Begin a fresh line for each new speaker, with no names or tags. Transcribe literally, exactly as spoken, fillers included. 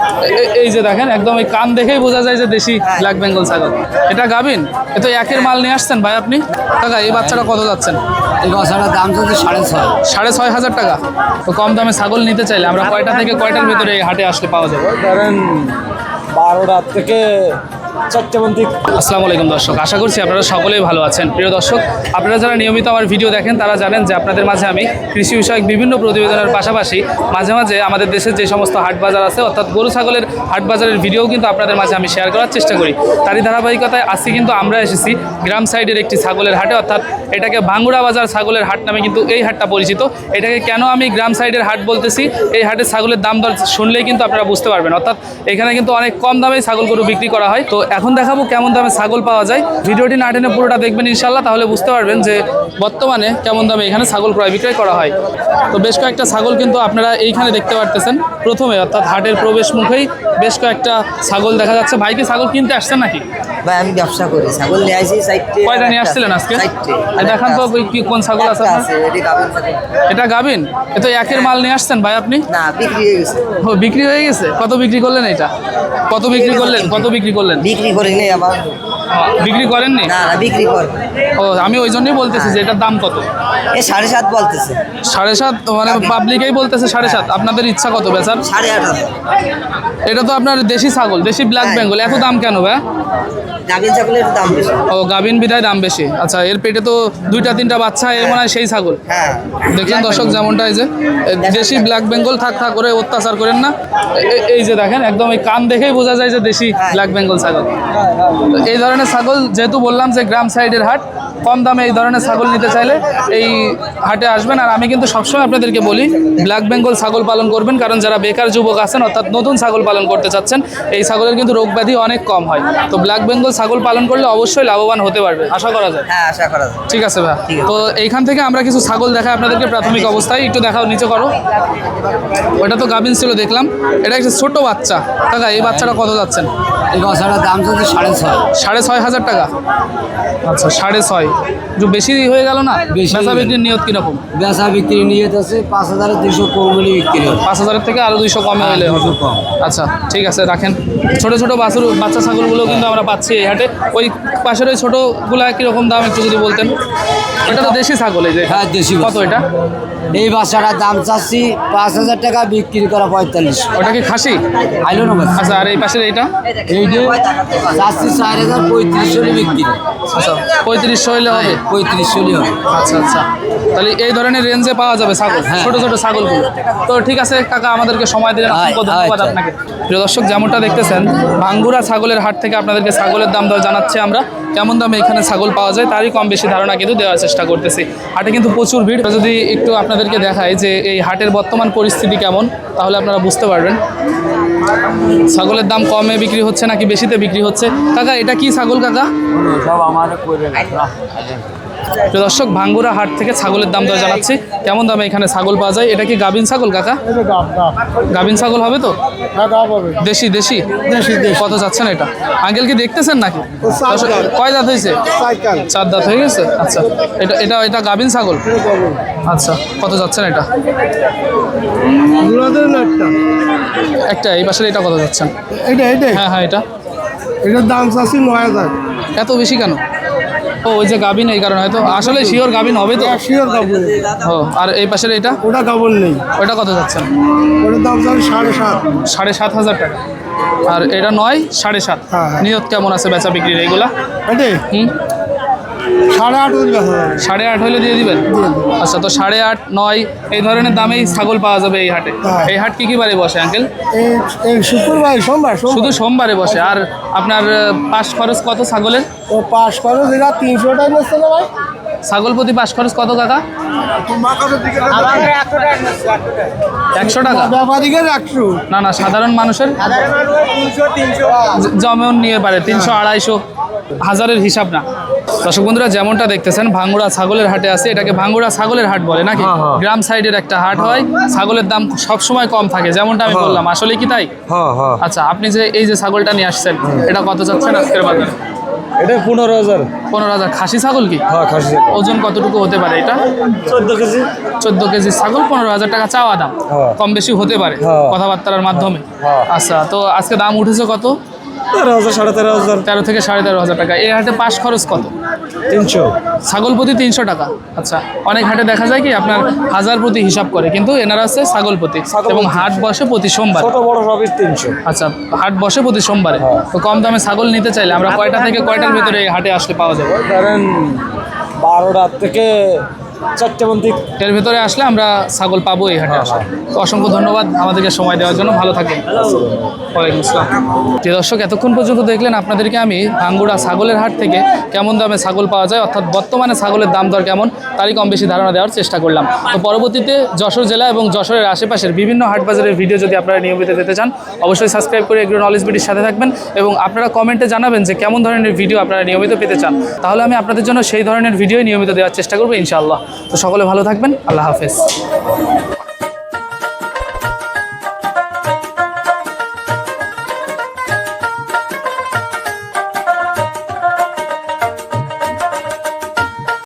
এই যে দেখেন একদম এই কান দেখেই বোঝা যায় যে দেশি ব্ল্যাক বেঙ্গল ছাগল। এটা গাবিন? এ তো একের মাল নিয়ে আসছেন ভাই আপনি? কাকা এই বাচ্চাটা কত যাচ্ছেন?
এই বাচ্চাটার দাম চলছে সাড়ে ছয়
সাড়ে ছয় হাজার টাকা। তো কম দামে ছাগল নিতে চাইলে আমরা কয়টা থেকে কয়টার ভিতরে এই হাটে আসলে পাওয়া যাবে?
ধরেন বারোটা থেকে চারটে মন্দির।
আসসালামু আলাইকুম দর্শক, আশা করছি আপনারা সকলেই ভালো আছেন। প্রিয় দর্শক, আপনারা যারা নিয়মিত আমার ভিডিও দেখেন তারা জানেন যে আপনাদের মাঝে আমি কৃষি বিষয়ক বিভিন্ন প্রতিবেদনের পাশাপাশি মাঝে মাঝে আমাদের দেশের যে সমস্ত হাট বাজার আছে অর্থাৎ গরু ছাগলের হাট বাজারের ভিডিও কিন্তু আপনাদের মাঝে আমি শেয়ার করার চেষ্টা করি। তারই ধারাবাহিকতায় আজকে কিন্তু আমরা এসেছি গ্রাম সাইডের একটি ছাগলের হাটে, অর্থাৎ এটাকে ভাঙ্গুড়া বাজার ছাগলের হাট নামে কিন্তু এই হাটটা পরিচিত। এটাকে কেন আমি গ্রাম সাইডের হাট বলতেছি, এই হাটের ছাগলের দাম দর শুনলেই কিন্তু আপনারা বুঝতে পারবেন। অর্থাৎ এখানে কিন্তু অনেক কম দামে ছাগল গরু বিক্রি করা হয়। তো এখন দেখাবো কেমন দামে ছাগল পাওয়া যায়। ভিডিওটি না টেনে পুরোটা দেখবেন ইনশাল্লাহ, তাহলে বুঝতে পারবেন যে বর্তমানে কেমন দামে এখানে ছাগল ক্রয় বিক্রয় করা হয়। তো বেশ কয়েকটা ছাগল কিন্তু আপনারা এইখানে দেখতে পারতেছেন। প্রথমে অর্থাৎ হাটের প্রবেশ মুখেই বেশ কয়েকটা ছাগল দেখা যাচ্ছে। ভাই কি ছাগল কিনতে আসছেন নাকি?
ভাই আমি ব্যবসা করি, ছাগল নিয়ে আসি।
কয়টা নিয়ে আসছিলেন আজকে? দেখান তো কি কোন ছাগল আছে আপনার? এটা গাবিন? এ তো একের মাল নিয়ে আসছেন ভাই আপনি?
না, বিক্রি হয়ে গেছে।
ও বিক্রি হয়ে গেছে। কত বিক্রি করলেন এটা? কত বিক্রি করলেন? কত বিক্রি করলেন?
বিক্রি করি নেই আমার।
বিক্রি করেননি?
না না, বিক্রি কর।
ও আমি ওই জন্যই বলতেছি যে এটার দাম কত।
এই সাড়ে সাত বলতেছে।
সাড়ে সাত মানে পাবলিকেই বলতেছে সাড়ে সাত। আপনাদের ইচ্ছা কত বেচার?
সাড়ে আট।
এটা তো আপনার দেশি ছাগল, দেশি ব্ল্যাক বেঙ্গল, এত দাম কেন ভাই?
গাভিন ছাগলের দাম বেশি।
ও গাভিন বিধায় দাম বেশি। আচ্ছা, এর পেটে তো দুইটা তিনটা বাচ্চা, এর মনে হয় সেই ছাগল।
হ্যাঁ,
দেখলেন দর্শক যেমনটা, এই যে দেশি ব্ল্যাক বেঙ্গল। থাক থাক করে অত্যাচার করেন না। এ- এই যে দেখেন একদম এই কান দেখেই বোঝা যায় যে দেশি ব্ল্যাক বেঙ্গল ছাগল। তো এই ধরনের ছাগল যেহেতু বললাম যে গ্রাম সাইডের হাট, কম দামে এই ধরনের ছাগল নিতে চাইলে এই হাটে আসবেন। আর আমি কিন্তু সবসময় আপনাদেরকে বলি ব্ল্যাক বেঙ্গল ছাগল পালন করবেন, কারণ যারা বেকার যুবক আছেন অর্থাৎ নতুন ছাগল পালন করতে চাচ্ছেন, এই ছাগলের কিন্তু রোগ ব্যাধি অনেক কম হয়। তো ব্ল্যাক বেঙ্গল ছাগল পালন করলে অবশ্যই লাভবান হতে পারবে, আশা করা যায়।
হ্যাঁ, আশা করা যায়।
ঠিক আছে ভাই। তো এইখান থেকে আমরা কিছু ছাগল দেখাই আপনাদেরকে প্রাথমিক অবস্থায়। একটু দেখাও, নিচে করো। ওটা তো গাভিন ছিল দেখলাম, এটা একটা ছোট বাচ্চা। কাকা এই বাচ্চাটা কত যাচ্ছেন?
এই বাচ্চাটার দাম চলছে সাড়ে ছয়
সাড়ে ছয় হাজার টাকা। আচ্ছা, সাড়ে ছয় একটু বেশি হয়ে গেল না?
বেশি।
বেচা বিক্রির নিয়ত কিরকম?
বেচা বিক্রি নিয়ত আছে পাঁচ হাজারের দুইশো কম হলে বিক্রি হবে।
পাঁচ হাজারের থেকে আরো দুইশো কমে হলে হবে।
দুশো কম।
আচ্ছা ঠিক আছে, রাখেন। ছোট ছোট বাছুর বাচ্চা ছাগলগুলো কিন্তু আমরা পাচ্ছি এই হাটে। ওই পাশের ওই ছোটোগুলা কীরকম দাম একটু যদি বলতেন। এটা তো দেশি ছাগল, এই যে
হ্যাঁ, দেশি
কত এটা?
এই বাচ্চাটার দাম চাচ্ছি পাঁচ হাজার টাকা, বিক্রি করা পঁয়তাল্লিশ।
ওটা কি খাসি?
আইলো না বাচ্চা।
আচ্ছা, আর এই পাশের এইটা?
এই যে চাচ্ছি চার হাজার পঁয়ত্রিশ হলে বিক্রি।
আচ্ছা, পঁয়ত্রিশশো হলে হবে।
পঁয়ত্রিশ হলে হবে।
আচ্ছা আচ্ছা, তাহলে এই ধরনের রেঞ্জে পাওয়া যাবে ছাগল,
হ্যাঁ।
ছোট ছোট ছাগলগুলো। তো ঠিক আছে কাকা, আমাদেরকে সময় দিলেন, অসংখ্য
আচ্ছা,
ধন্যবাদ
আচ্ছা।
আপনাকে। প্রিয় দর্শক, যেমনটা দেখতেছেন ভাঙ্গুড়া ছাগলের হাট থেকে আপনাদেরকে ছাগলের দাম দর জানাচ্ছি আমরা। কেমন দামে এখানে ছাগল পাওয়া যায় তারই কম বেশি ধারণা কিন্তু দেওয়ার চেষ্টা করতেছি। হাটে কিন্তু প্রচুর ভিড়। যদি একটু আপনাদেরকে দেখাই যে এই হাটের বর্তমান পরিস্থিতি কেমন, তাহলে আপনারা বুঝতে পারবেন ছাগলের দাম কমে বিক্রি হচ্ছে নাকি বেশিতে বিক্রি হচ্ছে। কাকা এটা কি ছাগল কাকা?
সব আমার করে
প্রিয় দর্শক, ভাঙ্গুড়া হাট থেকে ছাগলের দাম দর জানাচ্ছি কেমন দামে এখানে ছাগল পাওয়া যায়। এটা কি গাভিন ছাগল কাকা? গাভিন ছাগল হবে তো? দেশি দেশি কত যাচ্ছেন এটা? আঙ্কেল কি দেখতেছেন নাকি? দর্শক, কয় দাঁত হয়েছে? চার দাঁত হয়ে গেছে। আচ্ছা, এটা এটা এটা গাভিন ছাগল। আচ্ছা, কত যাচ্ছেন এটা? একটা এই পাশের এটা কত যাচ্ছেন?
এটা এটা
হ্যাঁ হ্যাঁ, এটা
এটার দাম চাচ্ছি নয় হাজার।
এত বেশি কেন? ও ওই যে গাভিন, এই কারণে হয়তো। আসলে শিওর গাভিন হবে তো?
শিওর কাপড়।
ও, আর এই পাশের এটা?
ওটা কাপড় নেই।
ওটা কত যাচ্ছেন?
ওটার দাম চাচ্ছি সাড়ে সাত।
সাড়ে সাত হাজার টাকা। আর এটা নয় সাড়ে সাত।
হ্যাঁ, হ্যাঁ।
নিয়ত কেমন আছে বেচা বিক্রির এইগুলা?
এটা
হুম,
সাড়ে আট হাজার বেচা যাবে।
সাড়ে আট হলে দিয়ে দিবেন? আচ্ছা, তো সাড়ে আট নয় এই ধরনের দামেই ছাগল পাওয়া যাবে এই হাটে।
হ্যাঁ।
এই হাট কি কি বারে বসে আঙ্কেল?
এই এই শুক্রবার সোমবার
শুধু
সোমবার
সোমবারে বসে। আর আপনার আহ, পাশ খরচ কত ছাগলের?
ও পাঁচ খরচ এরা তিনশো টাকা নিচ্ছে না ভাই।
ছাগল প্রতি পাশ খরচ কত কাকা? একশো টাকা?
ব্যাপারীকে একশো।
না না, সাধারণ মানুষের জ- যেমন নিয়ে পারে তিনশো আড়াইশো, হাজারের হিসাব না। দর্শক বন্ধুরা, যেমনটা দেখতেছেন ভাঙ্গুড়া ছাগলের হাটে আছে। এটাকে ভাঙ্গুড়া ছাগলের হাট বলে নাকি? গ্রাম সাইডের একটা হাট হয়, ছাগলের দাম সবসময় কম থাকে, যেমনটা আমি বললাম। আসলে কি তাই? আচ্ছা, আপনি যে এই যে ছাগলটা নিয়ে আসছেন, এটা কত যাচ্ছেন আজকের বাজারে?
এটা পনেরো হাজার।
পনেরো হাজার খাসি ছাগল কি?
হ্যাঁ খাসি।
ওজন কতটুকু হতে পারে এটা?
চোদ্দ কেজি।
চোদ্দ কেজি ছাগল, পনেরো হাজার টাকা চাওয়া দাম।
হ্যাঁ।
কম বেশি হতে পারে
হ্যাঁ।
কথাবার্তার মাধ্যমে।
হ্যাঁ।
আচ্ছা, তো আজকে দাম উঠেছে কত?
তেরো হাজার সাড়ে তেরো হাজার।
তেরো থেকে সাড়ে তেরো হাজার টাকা। এই হাটে পাশ খরচ কত?
তিনশো।
ছাগল প্রতি তিনশো টাকা। আচ্ছা, অনেক হাটে দেখা যায় কি আপনার হাজার প্রতি হিসাব করে, কিন্তু এনারা আছে ছাগল প্রতি,
ছাগল
এবং
প্রতি।
হাট বসে প্রতি সোমবার।
ছোট বড় সবই তিনশো।
আচ্ছা, হাট বসে প্রতি সোমবারে।
হ্যাঁ।
তো কম দামে ছাগল নিতে চাইলে আমরা কয়টা থেকে কয়টার ভিতরে এই হাটে আসলে পাওয়া যাবে?
ধরেন বারোটার থেকে চারটে পর্যন্ত।
এর ভিতরে আসলে আমরা ছাগল পাবো এই হাটে আসলে। তো অসংখ্য ধন্যবাদ আমাদেরকে সময় দেওয়ার জন্য। ভালো থাকেন। ওয়ালাইকুম আসসালাম। যে দর্শক এতক্ষণ পর্যন্ত দেখলেন, আপনাদেরকে আমি ভাঙ্গুড়া ছাগলের হাট থেকে কেমন দামে ছাগল পাওয়া যায়, অর্থাৎ বর্তমানে ছাগলের দাম দর কেমন, তারই কম বেশি ধারণা দেওয়ার চেষ্টা করলাম। তো পরবর্তীতে যশোর জেলা এবং যশোরের আশেপাশের বিভিন্ন হাট বাজারের ভিডিও যদি আপনারা নিয়মিত পেতে চান, অবশ্যই সাবস্ক্রাইব করে এগ্রো নলেজ বিডির সাথে থাকবেন, এবং আপনারা কমেন্টে জানাবেন যে কেমন ধরনের ভিডিও আপনারা নিয়মিত পেতে চান। তাহলে আমি আপনাদের জন্য সেই ধরনের ভিডিও নিয়মিত দেওয়ার চেষ্টা করবো ইনশাআল্লাহ। তো সকলে ভালো থাকবেন। আল্লাহ হাফেজ।